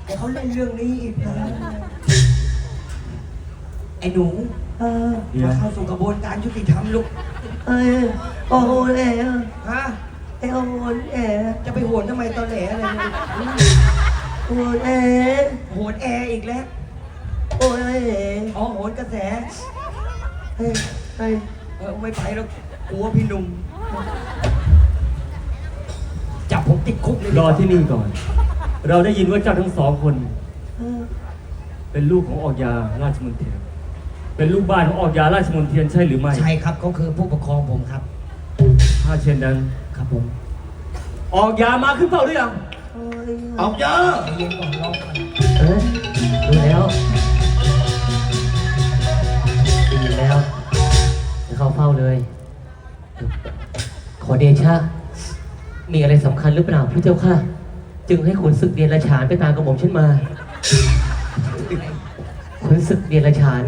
ให้เขาเล่นเรื่องนี้อีกนะไอ้หนูมาเข้าสู่กระบวนการยุติธรรมลูกโอ้โหแหล่ฮะไอ้โอ้โหแหล่จะไปโหนทำไมตอนแหลอะไรเนี่ยโอ้โหแหล่โหนแอร์อีกแล้วโอ้โหแหล่อ๋อโหนกระแสเฮ้ยเฮ้ยไม่ไปแล้วกลัวพี่หนุ่มจับผมติดคุกเลยรอที่นี่ก่อน เราได้ยินว่าเจ้าทั้งสองคน เป็นลูกของออกยาราชมนเทียน เป็นลูกบ้านของออกยาราชมนเทียนใช่หรือไม่ใช่ครับเขาคือผู้ปกครองผมครับถ้าเช่นนั้นครับผมออกยามาขึ้นเปล่าหรือยังออกเยอะเย็นก่อนรอก่อนดูแล้วดีแล้วจะเข้าเฝ้าเลย ขอเดชะ มีอะไรสำคัญหรือเปล่าพระเจ้าค่ะ จึงให้ขุนศึกเดียนราชานไปตามกระหม่อมฉันมาขุนศึกเดียนราชาน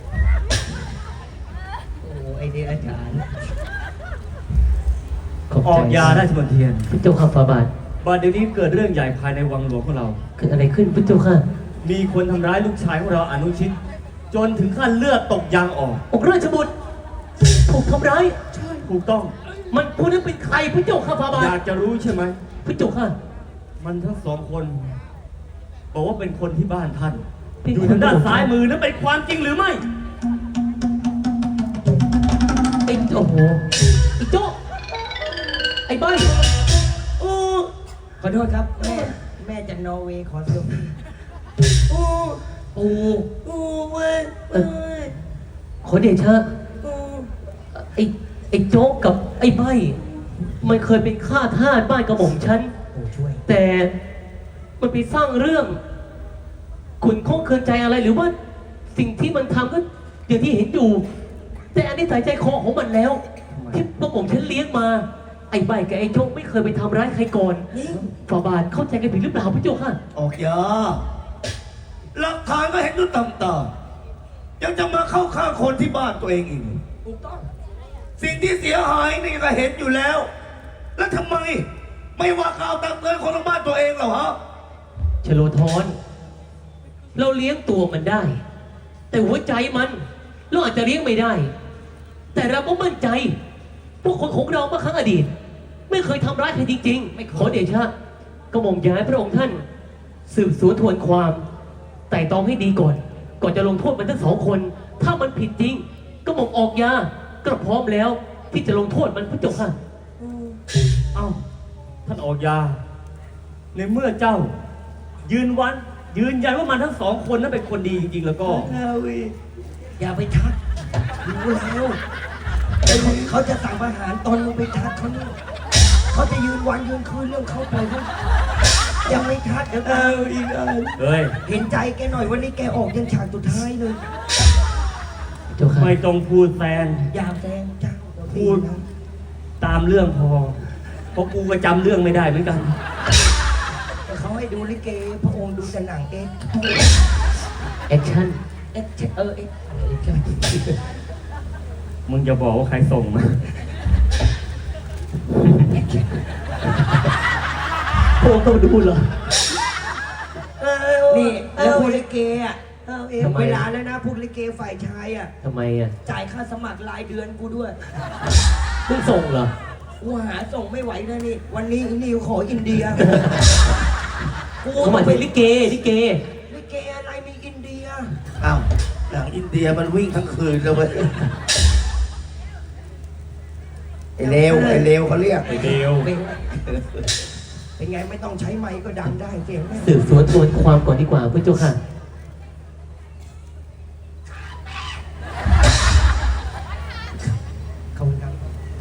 โอ้ไอเดียอาจารย์ขอบออกใจยาราชมนเทียนพระเจ้าค่ะฝ่าบาทบัดเดี๋ยวนี้เกิดเรื่องใหญ่ภายในวังหลวงของเราเกิดอะไรขึ้นพระเจ้าค่ะมีคนทำร้ายลูกชายของเราอนุชิต จนถึงขั้นเลือดตกยางออกองค์ราชบุตรถูกทำร้ายใช่ถูกต้องมันผู้นั้นเป็นใครพระเจ้าค่ะฝ่าบาอทยากจะรู้ใช่ไหมพระเจ้าค่ะมันทั้งสองคน บอกว่าเป็นคนที่บ้านท่านเป็นอยู่คนทางด้านซ้ายมือนั้นเป็นความจริงหรือไม่ไอ้โอ้โหไอ้โจ๊ะไอ้ใบโอ้ขอโทษครับแม่จากนอร์เวย์ขอเซลฟี่โอ้โอ้โอ้เว้ยขอเดชะไอ้โจ๊กกับไอ้ใบมันเคยเป็นข้าทาสบ้านกระหม่อมฉันโอ้ช่วยแต่มันไปสร้างเรื่องขุนข้องเคืองใจอะไรหรือว่าสิ่งที่มันทำก็อย่างที่เห็นอยู่ แต่อันนี้ใส่ใจคอของมันแล้ว ที่พวกผมฉันเลี้ยงมา ไอ้ใบกับไอ้โจ๊กไม่เคยไปทำร้ายใครก่อนฝ่าบาทเข้าใจกันผิดหรือเปล่าพี่โจ๊กค่ะออกยาหลักฐานก็เห็นด้วยตำตายังจะมาเข้าข้างคนที่บ้านตัวเองอีกถูกต้องสิ่งที่เสียหายนี่ก็เห็นอยู่แล้ว แล้วทำไม ไม่ว่ากล่าวตักเตือนคนของบ้านตัวเองเหรอฮะชโลธรเราเลี้ยงตัวมันได้ แต่หัวใจมันเราอาจจะเลี้ยงไม่ได้ แต่เราก็มั่นใจพวกคนของเราเมื่อครั้งอดีต ไม่เคยทำร้ายใครจริงๆขอเดชะกระหม่อมย้ายพระองค์ท่าน สืบสวนทวนความไต่ตองให้ดีก่อน ก่อนจะลงโทษมันทั้งสองคน ถ้ามันผิดจริงกระหม่อมออกยาก็พร้อมแล้ว ที่จะลงโทษมันพระเจ้าค่ะเอ้า ท่านออกยา ในเมื่อเจ้า ยืนยันว่ามันทั้งสองคนนั้นเป็นคนดีจริงๆแล้วก็อย่าไปทักรู้แล้วเขาจะสั่งอาหารตอนมึงไปทักเขาเนี่ยเขาจะยืนวันยืนคืนเรื่องเขาไปเขายังไม่ทักเดี๋ยวอีกเฮ้ยเห็นใจแกหน่อยวันนี้แกออกยังฉากสุดท้ายเลยเจ้าค่ะไม่ต้องพูดแซงอย่าแซงเจ้าพูด ตามเรื่องพอ เพราะกูก็จำเรื่องไม่ได้เหมือนกันเขาให้ดูลิเกพระองค์ดูแต่หนังเอ็กแอคชั่นเอ็กเอ็กมึงจะบอกว่าใครส่งมาพวกต้องดูเหรอนี่แล้วพูดลิเกอ่ะทำไมเวลาแล้วนะพูดลิเกฝ่ายชายอ่ะทำไมอ่ะจ่ายค่าสมัครรายเดือนกูด้วยเพิ่งส่งเหรอกูหาส่งไม่ไหวนะนี่ วันนี้นิวขออินเดียกูเขาหมายถึงลิเกลิเกอะไรมีอินเดียอ้าวหนังอินเดียมันวิ่งทั้งคืนเลยเว้ยไอเลวเขาเรียกไอเดียวเป็นไงไม่ต้องใช้ไมค์ก็ดังได้เสียงแม่สืบสวนทวนความก่อนดีกว่าพระเจ้าค่ะขอบคุณครับ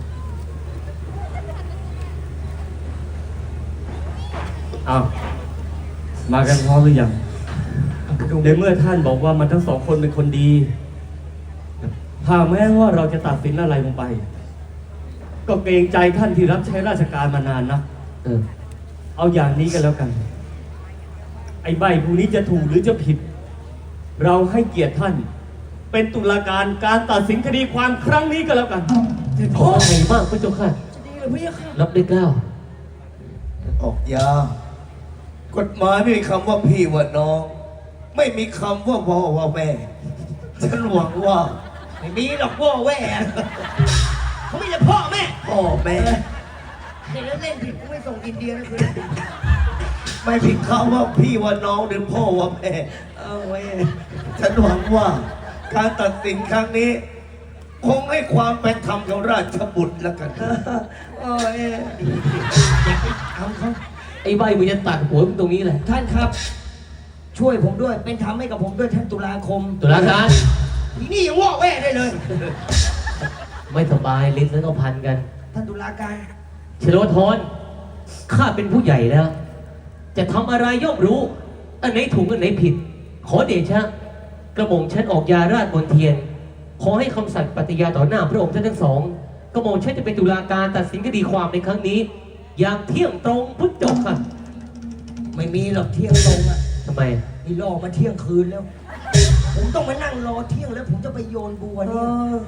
อ้าว มากันพร้อมหรือยัง ในเมื่อท่านบอกว่ามันทั้งสองคนเป็นคนดีหากแม้ว่าเราจะตัดสินอะไรลงไป ก็เกรงใจท่านที่รับใช้ราชการมานานนะเออเอาอย่างนี้กันแล้วกัน ไอ้ใบผู้นี้จะถูกหรือจะผิด เราให้เกียรติท่าน เป็นตุลาการการตัดสินคดีความครั้งนี้ก็แล้วกันขออะไรบ้างพระเจ้าค่ะจะดีเลยพี่ค่ะรับด้วยเกล้าออกยากฎหมายไม่มีคำว่าพี่ว่าน้อง ไม่มีคำว่าพ่อว่าแม่ฉันหวังว่าไม่มีหรอกพ่อแว่เขาไม่ใช่พ่อแม่พ่อแม่เด็กแล้วเล่นผิดกูไม่ส่งอินเดียนะคือไม่มีคำว่าพี่ว่าน้องหรือพ่อว่าแม่เอาไว้ฉันหวังว่าการตัดสินครั้งนี้ คงให้ความเป็นธรรมกับราชบุตรแล้วกันโอ้ยอยากไปทำเขาไอ้ใบมึงจะตัดหัวมึงตรงนี้แหละท่านครับ ช่วยผมด้วย เป็นธรรมให้กับผมด้วยท่านตุลาคมตุลาการทีนี่ยังว่าแว่ได้เลยไม่สบายลิ้นแล้วก็พันกันท่านตุลาการเชโลธรข้าเป็นผู้ใหญ่แล้ว จะทำอะไรย่อมรู้ อันไหนถูกอันไหนผิด ขอเดชะ กระหม่อมฉันออกยาราชบนเทียน ขอให้คำสัตย์ปฏิญาณต่อหน้าพระองค์ท่านทั้งสอง กระหม่อมฉันจะเป็นตุลาการตัดสินคดีความในครั้งนี้ อย่างเที่ยงตรงพุทธจบค่ะไม่มีหรอกเที่ยงตรงอ่ะทำไมนี่รอมาเที่ยงคืนแล้ว ผมต้องมานั่งรอเที่ยงแล้ว ผมจะไปโยนบัวเนี่ย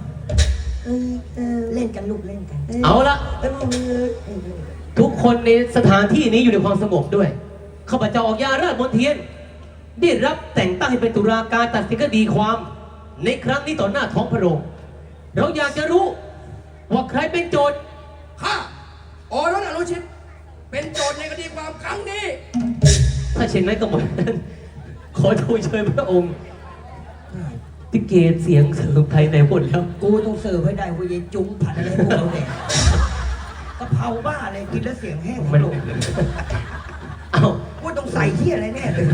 เล่นกันลูกเล่นกันเอาละ ทุกคนในสถานที่นี้อยู่ในความสงบด้วยข้าพเจ้าออกยาราชบนเทียน ได้รับแต่งตั้งให้เป็นตุลาการตัดสินคดีความ ในครั้งนี้ต่อหน้าท้องพระโรงเราอยากจะรู้ว่าใครเป็นโจทย์ข้าโอรสอนุชิต เป็นโจทย์ในคดีความครั้งนี้ถ้าเช่นนั้นก็หมดนั้นขอทูลเชิญพระองค์ติเกตเสียงเสริมไทยในหมดแล้วกูต้องเสิร์ฟให้ได้ว่ายายจุ้งผัดอะไรพวกเราเนี่ยกะเพราบ้าอะไรกินแล้วเสียงแห้งมันลงเอากูต้องใส่ที่อะไรแน่เลย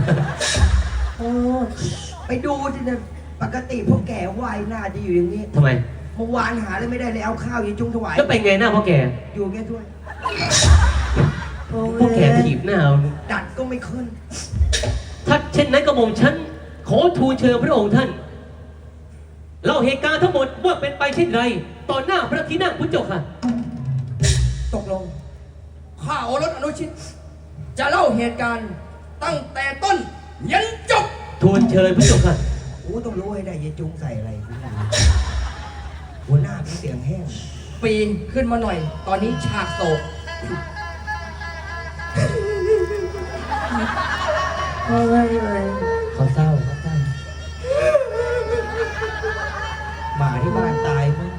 ไปดูที่เนี่ยปกติพวกแก่ไหวหน้าจะอยู่อย่างนี้ทำไมเมื่อวานหาเลยไม่ได้เลยเอาข้าวยายจุ้งถวายแล้วเป็นไงหน้าพ่อแกอยู่แค่ถ้วยพ่อแกถีบหน้าเอาดัดก็ไม่ขึ้นถ้าเช่นนั้นก็หม่อมฉันขอทูลเชิญพระองค์ท่านเล่าเหตุการณ์ทั้งหมดว่าเป็นไปเช่นไรต่อหน้าพระที่นั่งพุทธเจ้าค่ะตกลงข้าโอรสอนุชิต จะเล่าเหตุการณ์ตั้งแต่ต้นยันจบทูลเชิญพุทธเจ้าค่ะกูต้องรู้ให้ได้ยายจุ้งใส่อะไรหัวหน้าเป็นเสียงแห้งปีนขึ้นมาหน่อย ตอนนี้ฉากโศกเขาเศร้าหมาที่บ้านตายมั้ง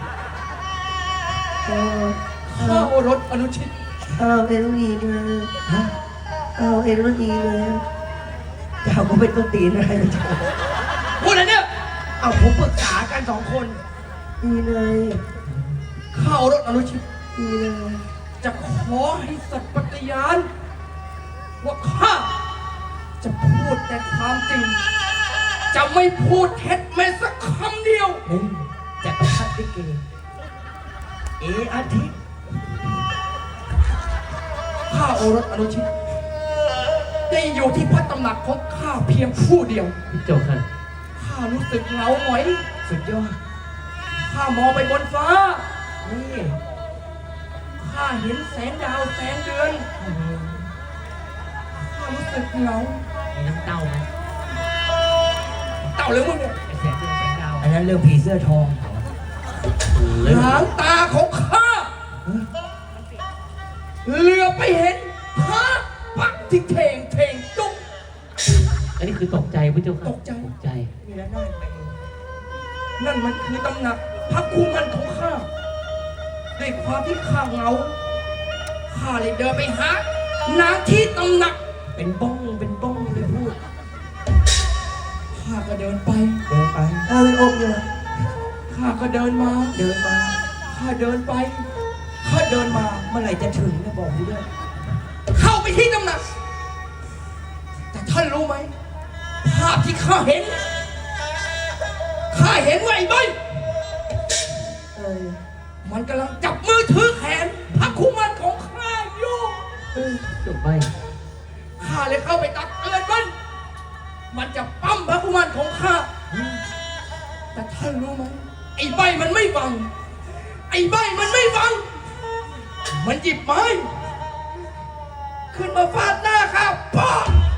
ข้าโอรสอนุชิตเอาเอ็นดีเลยเอาเอ็นดีเลยเจ้าก็เป็นต้นตีนอะไรนะเจ้าพูดอะไรเนี่ยเอาผมปรึกษากันสองคนดีเลยข้าโอรสอนุชิตดีเลยจะขอให้สัตย์ปฏิญาณว่าข้าจะพูดแต่ความจริง จะไม่พูดเท็จแม้สักคำเดียวเฮ้ยจักรพรรดิเกอาทิตย์ข้าโอรสอนุชิต ได้อยู่ที่พระตำหนักของข้าเพียงผู้เดียวพุทธเจ้าค่ะข้ารู้สึกเหงาหงอยสุดยอดข้ามองไปบนฟ้านี่ข้าเห็นแสงดาวแสงเดือน ข้ารู้สึกเหงามีน้ำเต้าไหมเต่าหรือมึงเนี่ยไอแสงเดือนแสงดาวอันนั้นเรื่องผีเสื้อทองหางตาของข้าเหลือไปเห็นพระปักที่เทงจุกอันนี้คือตกใจพุทธเจ้าค่ะตกใจตกใจมีแล้วน่าไปนั่นมันคือตำหนักพระคู่มันของข้าด้วยความที่ข้าเหงา ข้าเลยเดินไปหานางที่ตำหนักเป็นบ้องเลยพูดข้าก็เดินไปเดินไปเป็นองค์เลยข้าก็เดินมาเดินมาข้าเดินไป ข้าเดินมาเมื่อไหร่จะถึงเนี่ยบอกกูด้วยเข้าไปที่ตำหนัก แต่ท่านรู้ไหม ภาพที่ข้าเห็นว่าไอ้ใบมันกำลังจับมือถือแขนพระคู่มันของข้าอยู่จบไปข้าเลยเข้าไปตักเตือนมันจะปั้มพระคู่มันของข้า แต่ท่านรู้ไหมไอ้ใบมันไม่ฟัง มันหยิบไม้ขึ้นมาฟาดหน้าข้าป้า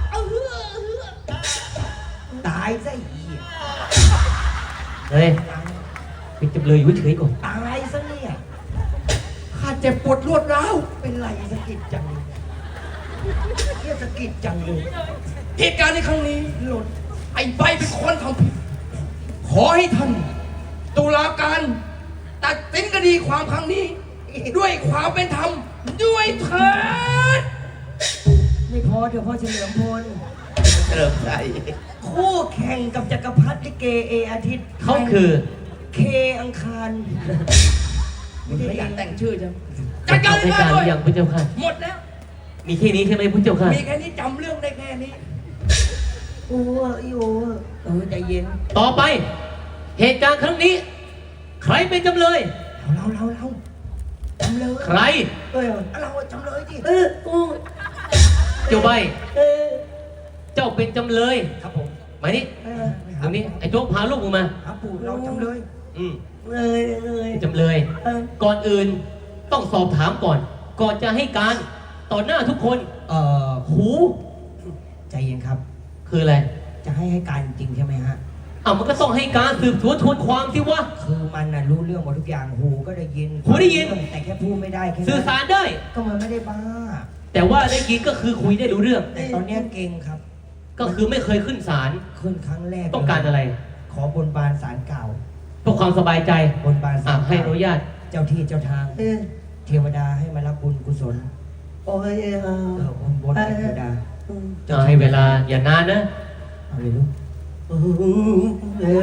ตายซะอีเฮ้ยเป็นจำเลยอยู่เฉยๆก่อนตายซะเนี่ยข้าเจ็บปวดรวดร้าวเป็นไรสะกิดจังพเฮียสะกิดจังเลยเหตุการณ์ในครั้งนี้หล่นไอ้ใบเป็นคนทำผิด ขอให้ท่านตุลาการตัดสินคดีความครั้งนี้ ด้วยความเป็นธรรมด้วยเถิดไม่พอเดี๋ยวพ่อเฉลิมพลเริ่มใจคู่แข่งกับจักรพรรดิลิเกเออาทิตย์เขาคือเคอังคารมึงไม่อยากแต่งชื่อจังจะจัดการให้ให้การได้หเลรืยอยังพระเจ้าค่ะหมดแล้วมีแค่นี้ใช่ไหมพระเจ้าค่ะมีแค่นี้จำเรื่องได้แค่นี้โอ้ยโอ้ใจเย็นต่อไป เหตุการณ์ครั้งนี้ ใครเป็นจำเลยเราจำเลยใครเราจำเลยดิเจ้าใบเจ้าเป็นจำเลยครับผมมานี่ตรงนี้ไอ้โจ๊กพาลูกมึงมาครับปู่เราจำเลยอืมเลยจำเลย ก่อนอื่นต้องสอบถามก่อน ก่อนจะให้การต่อหน้าทุกคนหู ใจเย็นครับคืออะไรจะให้การจริงใช่ไหมฮะมันก็ต้องให้การสืบสวนทวนความสิวะคือมันน่ะรู้เรื่องหมดทุกอย่าง หูก็ได้ยินหูได้ยินแต่แค่พูดไม่ได้แค่สื่อสารได้ก็มันไม่ได้บ้าแต่ว่าได้ยินก็คือคุยได้รู้เรื่องแต่ตอนเนี้ยเก่งครับก็คือไม่เคยขึ้นศาลขึ้นครั้งแรกต้องการอะไรขอบนบานศาลเก่าเพื่อความสบายใจบนบานศาลให้อนุญาตเจ้าที่เจ้าทาง เทวดาให้มารับบุญกุศลโอ้ยบนเทวดาให้เวลาอย่านานนะเอาเลยลูกโอ้โหโอ้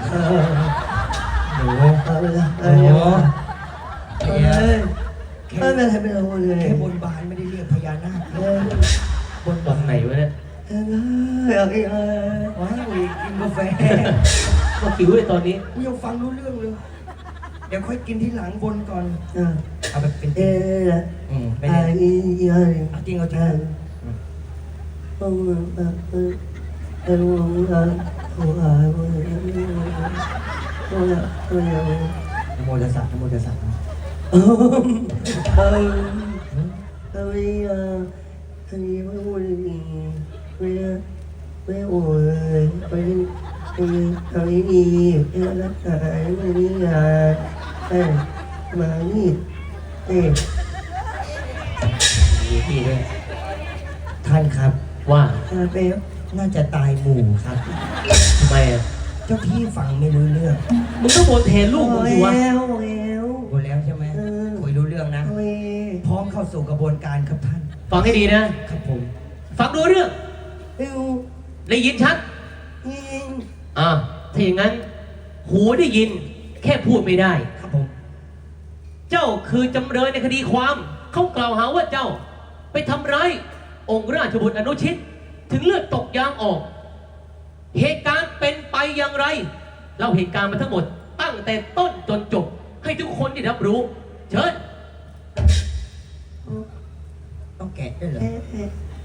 โหเอาละโอ้โหเอ้ยแค่ไม่เป็นไรเลยแค่บนบานไม่ได้เรียกพญานาคบนตรงไหนวะเนี่ยว้าวกินกาแฟก็คิวเลยตอนนี้กูยังฟังรู้เรื่องเลย เดี๋ยวค่อยกินที่หลังบนก่อนอ่าเอาแบบเป็นเอ๊ะไม่ไอ้ได้ยัยเอาจริงเอาจริงโอ้ไอ้ลูกโอ้ยโอ้ยโอ้ยโอ้ยนะโมตัสสะนะโมตัสสะเอ้ยเอ้ยอันนี้ไม่โอ้ยไม่โอ้ยไปทำนี้ดีรักษาไม่ดีอ่ะมานี่เอ๊ะมีพี่ด้วยท่านครับว่าเป๊ะน่าจะตายหมู่ครับทำไมอ่ะเจ้าที่ฟังไม่รู้เรื่องมึงต้องบนแทนลูกมึงสิวะแล้วรู้แล้วใช่ไหมคุยรู้เรื่องนะโอ้ยพร้อมเข้าสู่กระบวนการครับท่านฟังให้ดีนะครับผมฟังดูเรื่องเอ้วได้ยินชัดยิงถ้าอย่างนั้น หูได้ยิน แค่พูดไม่ได้ครับผมเจ้าคือจำเลยในคดีความ เขากล่าวหาว่าเจ้า ไปทำร้ายองค์ราชบุตรอนุชิต ถึงเลือดตกยางออก เหตุการณ์เป็นไปอย่างไร เล่าเหตุการณ์มาทั้งหมด ตั้งแต่ต้นจนจบ ให้ทุกคนได้รับรู้ เชิญต้องแกะด้วยเหรอเอ๊ะ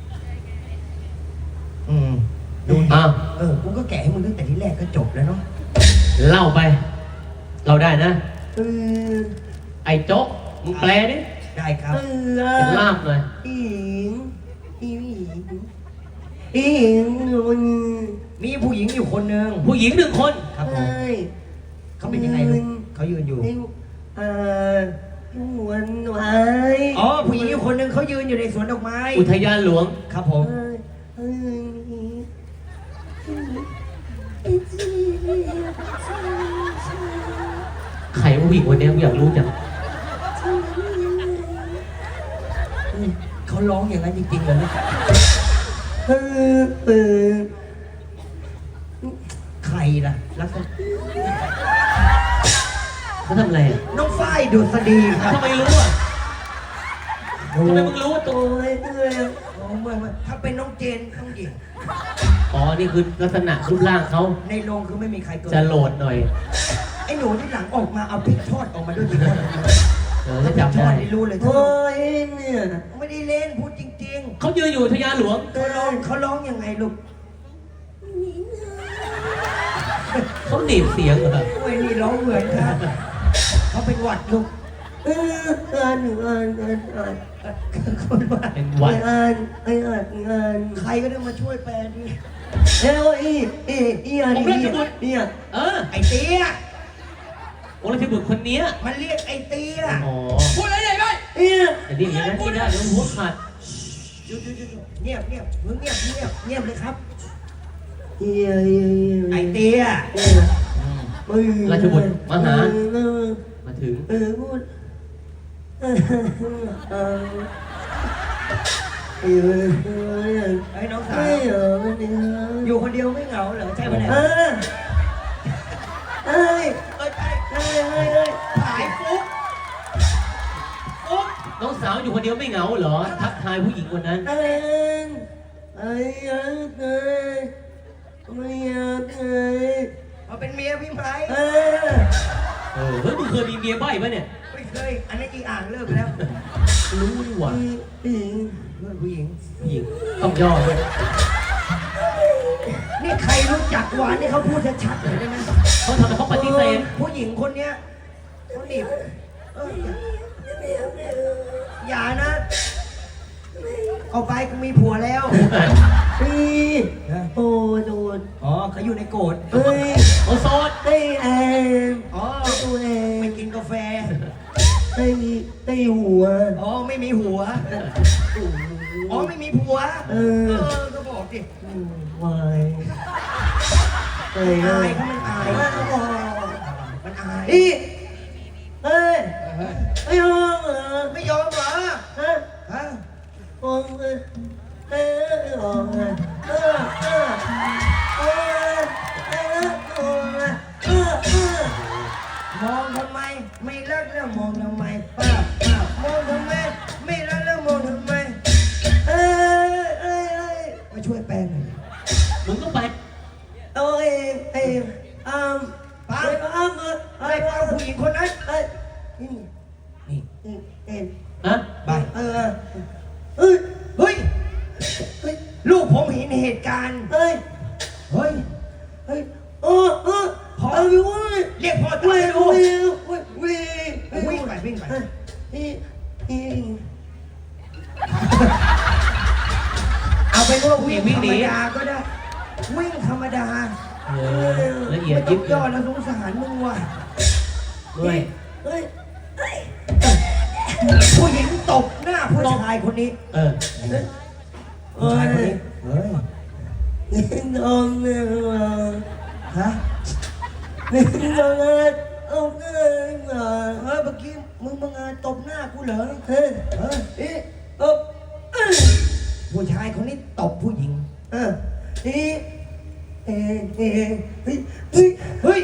ดูดิอ้าวกูก็แกะให้มึงตั้งแต่ที่แรกก็จบแล้วเนาะเล่าไป เราได้นะเออไอ้โจ๊กมึงแปลดิได้ครับเป็นลาบหน่อยอิงอิงอิงมันมีผู้หญิงอยู่คนหนึ่งผู้หญิงหนึ่งคนครับผมใช่เขาเป็นยังไงลูกเขายืนอยู่วันไว้อ๋อ ผู้หญิงอยู่คนหนึ่งเขายืนอยู่ในสวนดอกไม้อุทยานหลวงครับผมใครว่าผู้หญิงคนนี้กูอยากรู้จังเขาร้องอย่างนั้นจริงๆเหรอลูกใครล่ะลักษณะเขาทำอะไรอ่ะน้องฝ้ายดุษฎีครับทำไมรู้อ่ะทำไมมึงรู้ว่าตัวอ๋อไม่ถ้าเป็นน้องเจนน้องหญิงอ๋อ นี่คือลักษณะรูปร่างเขาในโรงคือไม่มีใครเกินจะโหลดหน่อยไอ้หนูที่หลังออกมาเอาพริกทอดออกมาด้วยดิคนจะจำได้ไม่รู้เลยโอ้ยเนี่ยไม่ได้เล่นพูดจริงเขายืนอยู่อุทยานหลวงๆเขาร้องยังไงลูกเขาหนีบเสียงเหรอโอ้ยนี่ร้องเหมือนครับเขาเป็นหวัดลูกอ่านคนว่าเป็นหวัดงานใครก็ได้มาช่วยแปลดิเนี่ยเออไอ้เตี้ยองค์ราชบุตรคนเนี้ยมันเรียกไอ้เตี้ยอ๋อพูดอะไรไหนไปเนี่ยแต่นี่อย่างนั้นไม่ได้เดี๋ยวหัวขาดหยุดเงียบมึงเงียบเลยครับเฮียไอเตี้ยราชบุตรมาหา มาถึงพูดไอ้น้องสาวอยู่คนเดียวไม่เหงาเหรอใช่ไหมเนี่ยถ่ายฟุ๊กน้องสาวอยู่คนเดียวไม่เหงาเหรอ ทักทายผู้หญิงคนนั้นมาเป็นเมียพี่ไม้เฮ้ยมึงเคยมีเมียใบ้ปะเนี่ยไม่เคยอันนี้อีอ่างเลิกไปแล้วรู้ดีกว่าเพื่อนผู้หญิงผู้หญิงต้องย่อด้วยนี่ใครรู้จักหวานนี่เขาพูดชัดๆเลยได้ไหมเขาทำไมเขาปฏิเสธผู้หญิงคนเนี้ยเขาหนีบอย่านะเอาไปกูมีผัวแล้วโอ้โดนอ๋อเขาอยู่ในโกรธเฮ้ยโอโซนไอ้แอมอ๋อตัวเองไม่กินกาแฟไอ้หัวอ๋อไม่มีหัว อ๋อไม่มีผัว ก็บอกดิวายไอ้อายไอ้เขามันอายมันอายอีเฮ้ยไอ้ยองเหรอไม่ยอมเหรอฮะฮะององมองทำไมไม่รักแล้วมองทำไมป้ามองทำไมไม่รักแล้วมองทำไมมาช่วยแปลหน่อยมึงก็ไปป้าอะไรป้าผู้หญิงคนนั้นนี่ฮะไปเฮ้ยลูกผมเห็นเหตุการณ์เฮ้ยพอเรียกพ่อตาไปดูวิ่งไปเอาไปว่าวิ่งธรรมดาก็ได้วิ่งธรรมดาละเอียดไม่ต้ยิอบ งย่อแล้วสงสารมึงว่ะด้วยผู้หญิงตบหน้าผู้ชายคนนี้ ผู้ชายคนนี้ฮะเมื่อกี้มึงมางานตบหน้ากูเหรอผู้ชายคนนี้ตบผู้หญิงเฮ้ย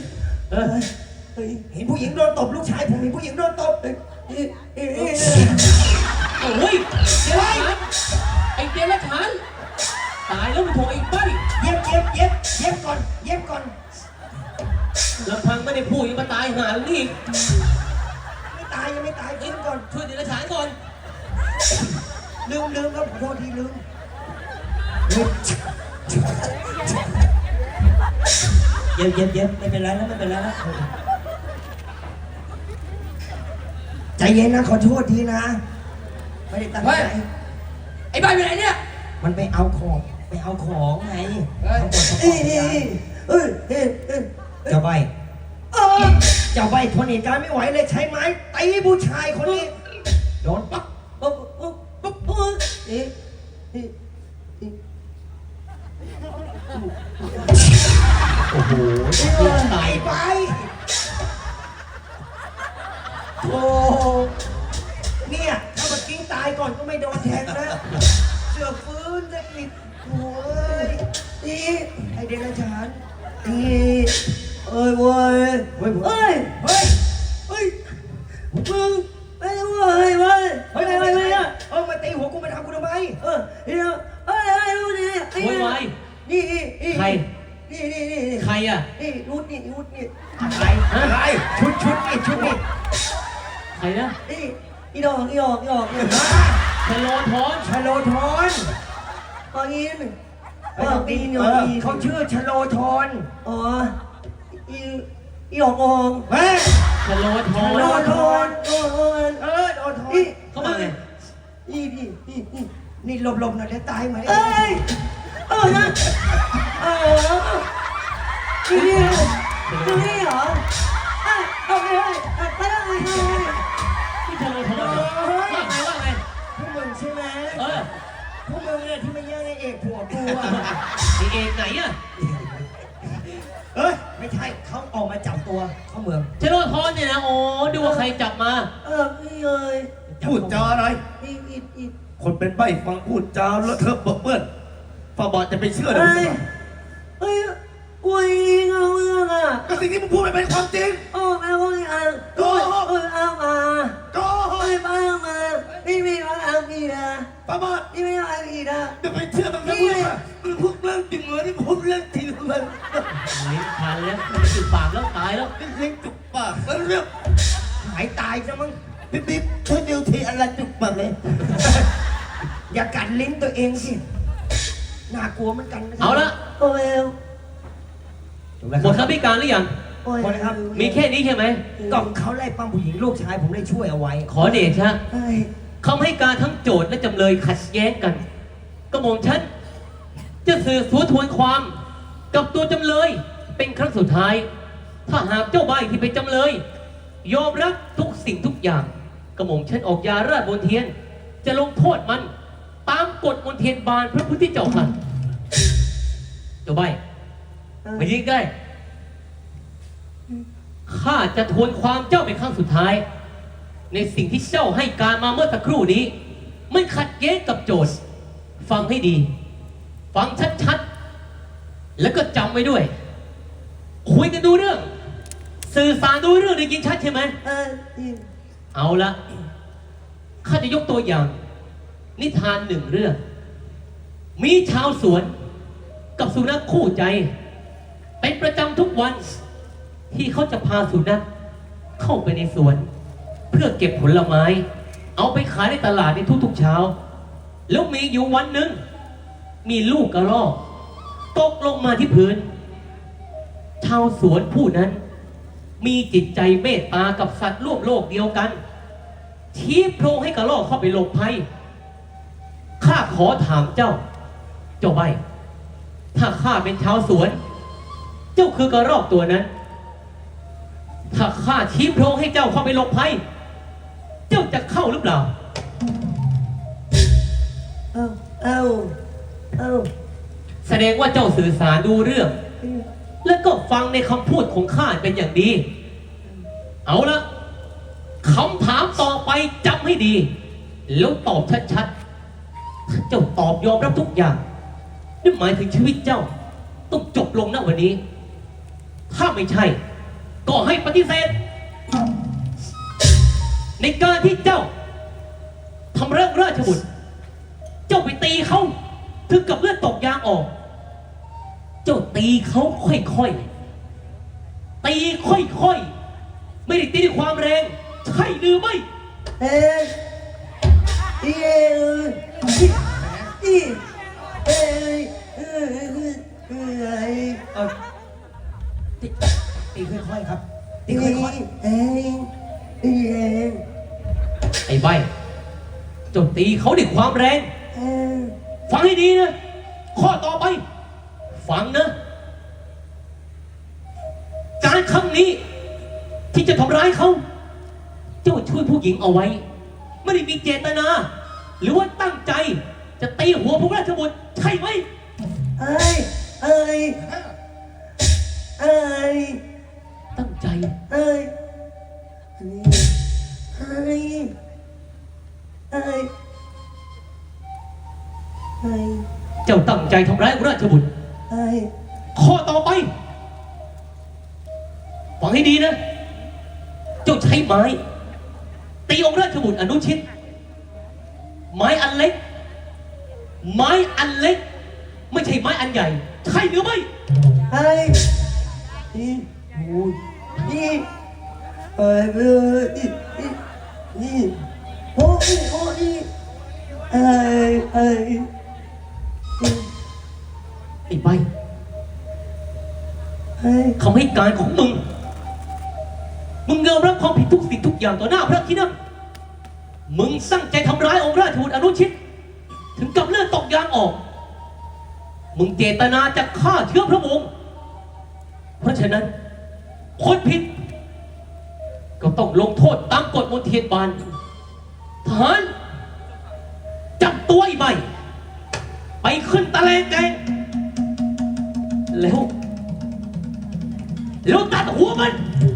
เห็นผู้หญิงโดนตบลูกชายผมเห็นผู้หญิงโดนตบโอ้ยไอ้เดรัจฉานตายแล้วมันถูกไอ้ใบ้เย็บก่อนลำพังไม่ได้พูดยังมาตายหาแล้วนี่ยังไม่ตายขึ้นก่อนช่วยเดรัจฉานก่อนลืมครับขอโทษทีลืมเย็บไม่เป็นไรแล้วใจเย็นนะขอโทษทีนะไม่ได้ตั้งใจไอ้บ้านอยู่ไหนเนี่ยมันไปเอาของไงทั้งหมดเจ้าใบทนเหตุการณ์ไม่ไหวเลยใช้ไม้ตีผู้ชายคนนี้โดนปั๊บโอ้โหตายไปโอ้เนี่ยถ้าเมื่อกี้ตายก่อนก็ไม่โดนแทงนะเสือฟื้นจะปิดโอ้ยนี่ไอเดรัจฉานมึงไปมาตีหัวกูมาทำกูทำไมโวยวาย ใคร ใครอ่ะอะไรชุดนี่ใครนะอีดอกชะโลธรชโลธรตอนนี้เขาชื่อชโลธรอ๋ออีดอกอองชะโลธรชโลธรโอ้ยโลธรเข้ามาไงนี่หลบๆหน่อยเดี๋ยวตายไหมเอ้ยนะนี่เหรอเอาไปไปแล้วไงที่ชะโลธรว่าไงพวกมึงใช่ไหมพวกมึงเนี่ยที่ไม่แย่งไอ้เอกผัวกูอะไอเอกไหนอะเอ้ยไม่ใช่เขาออกมาจับตัวเข้าเมืองชโลทอนเนี่ยนะโอ้ดูว่าใครจับมาพี่เอ้ยพูดจาอะไรอีคนเป็นใบ้ฟังพูดจาแล้วเธอเปิดเปื้อนฝ่าบาทจะไปเชื่อได้เอ้ไหมยเอ้ยอวยเอาเรื่องอ่ะก็สิ่งที่มึงพูดไม่เป็นความจริงโอ้แม่ว่าอ่ะโอ้เอามาก็โอ้ยมามาพี่ไม่เอาอีกนะฝ่าบาทพี่ไม่เอาอีกนะจะไปเชื่อมันไม่พูดนะมึงพูดเรื่องจริงเหรอที่พูดเรื่องจริงเลยลิ้นพันแล้วจุดปากแล้วตายแล้วเรื่องจุกปากแล้วเรื่องหายตายซะมั้งปิ๊บช่วยดูทีอะไรจุกปากเลยอย่ากัดลิ้นตัวเองสิน่ากลัวเหมือนกันนะเอาละโอ้ยหมดคำพิการหรือยังโอ้ยหมดเลยครับมีแค่นี้ใช่ไหมกล่องเขาไล่ปั้มผู้หญิงลูกชายผมได้ช่วยเอาไว้ขอเดชะเอ้ยคำให้การทั้งโจทย์และจำเลยขัดแย้งกันกระหม่อมฉันจะสืบสวนทวนความกับตัวจำเลยเป็นครั้งสุดท้าย ถ้าหากเจ้าใบที่เป็นจำเลย ยอมรับทุกสิ่งทุกอย่างกระหม่อมฉันออกยาราชบนเทียน จะลงโทษมันตามกฎมนเทียนบานพระพุทธเจ้าค่ะเจ้าใบมายิงใกล้ข้าจะทวนความเจ้าเป็นครั้งสุดท้าย ในสิ่งที่เจ้าให้การมาเมื่อสักครู่นี้ไม่ขัดแย้งกับโจทย์ ฟังให้ดี ฟังชัดๆ แล้วก็จำไว้ด้วย คุยกันดูเรื่อง สื่อสารดูเรื่องได้ยินชัดใช่ไหมเอ้ยเอาละข้าจะยกตัวอย่าง นิทานหนึ่งเรื่อง มีชาวสวนกับสุนัขคู่ใจ เป็นประจำทุกวัน ที่เขาจะพาสุนัขเข้าไปในสวน เพื่อเก็บผลไม้ เอาไปขายในตลาดในทุกๆเช้า แล้วมีอยู่วันหนึ่งมีลูกกระรอกตกลงมาที่พื้น ชาวสวนผู้นั้น มีจิตใจเมตตากับสัตว์ร่วมโลกเดียวกัน ชี้โพรงให้กระรอกเข้าไปหลบภัยข้าขอถามเจ้า เจ้าใบ ถ้าข้าเป็นชาวสวน เจ้าคือกระรอกตัวนั้น ถ้าข้าชี้โพรงให้เจ้าเข้าไปหลบภัย เจ้าจะเข้าหรือเปล่าเอาแสดงว่าเจ้าสื่อสารดูเรื่อง แล้วก็ฟังในคำพูดของข้าเป็นอย่างดี เอาละคำถามต่อไปจำให้ดี แล้วตอบชัดๆ ถ้าเจ้าตอบยอมรับทุกอย่างนั่นหมายถึงชีวิตเจ้า ต้องจบลงณวันนี้ ถ้าไม่ใช่ ก็ให้ปฏิเสธ ในการที่เจ้าทำเรื่องราชบุตร เจ้าไปตีเขาถึงกับเลือดตกยางออก เจ้าตีเขาค่อยๆ ตีค่อยๆ ไม่ได้ตีด้วยความแรง ใช่หรือไม่เอ้ยเอ้ยเอ้ยเออตีค่อยๆครับ ตีค่อยเอ้ยไอ้ใบเจ้าตีเขาด้วยความแรงเอ้ยฟังให้ดีนะ ข้อต่อไป ฟังนะ การครั้งนี้ ที่จะทำร้ายเขา เจ้าช่วยผู้หญิงเอาไว้ ไม่ได้มีเจตนา หรือว่าตั้งใจ จะตีหัวพระราชบุตรใช่ไหมเอ้ยเอ้ยเอ้ยตั้งใจเอ้ยเอ้ยเอ้ยเอ้ยเจ้าตั้งใจทำร้ายพระราชบุตรเอ้ยข้อต่อไป ฟังให้ดีนะ เจ้าใช้ไม้ ตีองค์ราชบุตรอนุชิต ไม้อันเล็ก ไม้อันเล็ก ไม่ใช่ไม้อันใหญ่ ใช่หรือไม่เอ้ยนี่โอ้ยนี่เอ้ยนี่โอ้ยโอ้ยเอ้ยเอ้ยไอ้ใบเอ้ยคำให้การของมึง มึงยอมรับความผิดทุกสิ่งทุกอย่างต่อหน้าพระที่นั่งมึงตั้งใจทำร้ายองค์ราชบุตรอนุชิต ถึงกับเลือดตกยางออก มึงเจตนาจะฆ่าเชื้อพระวงศ์เพราะฉะนั้น คนผิด ก็ต้องลงโทษตามกฎมนเทียนบานทหารจับตัวไอ้ใบไปขึ้นตะเลงแกงแล้วตัดหัวมัน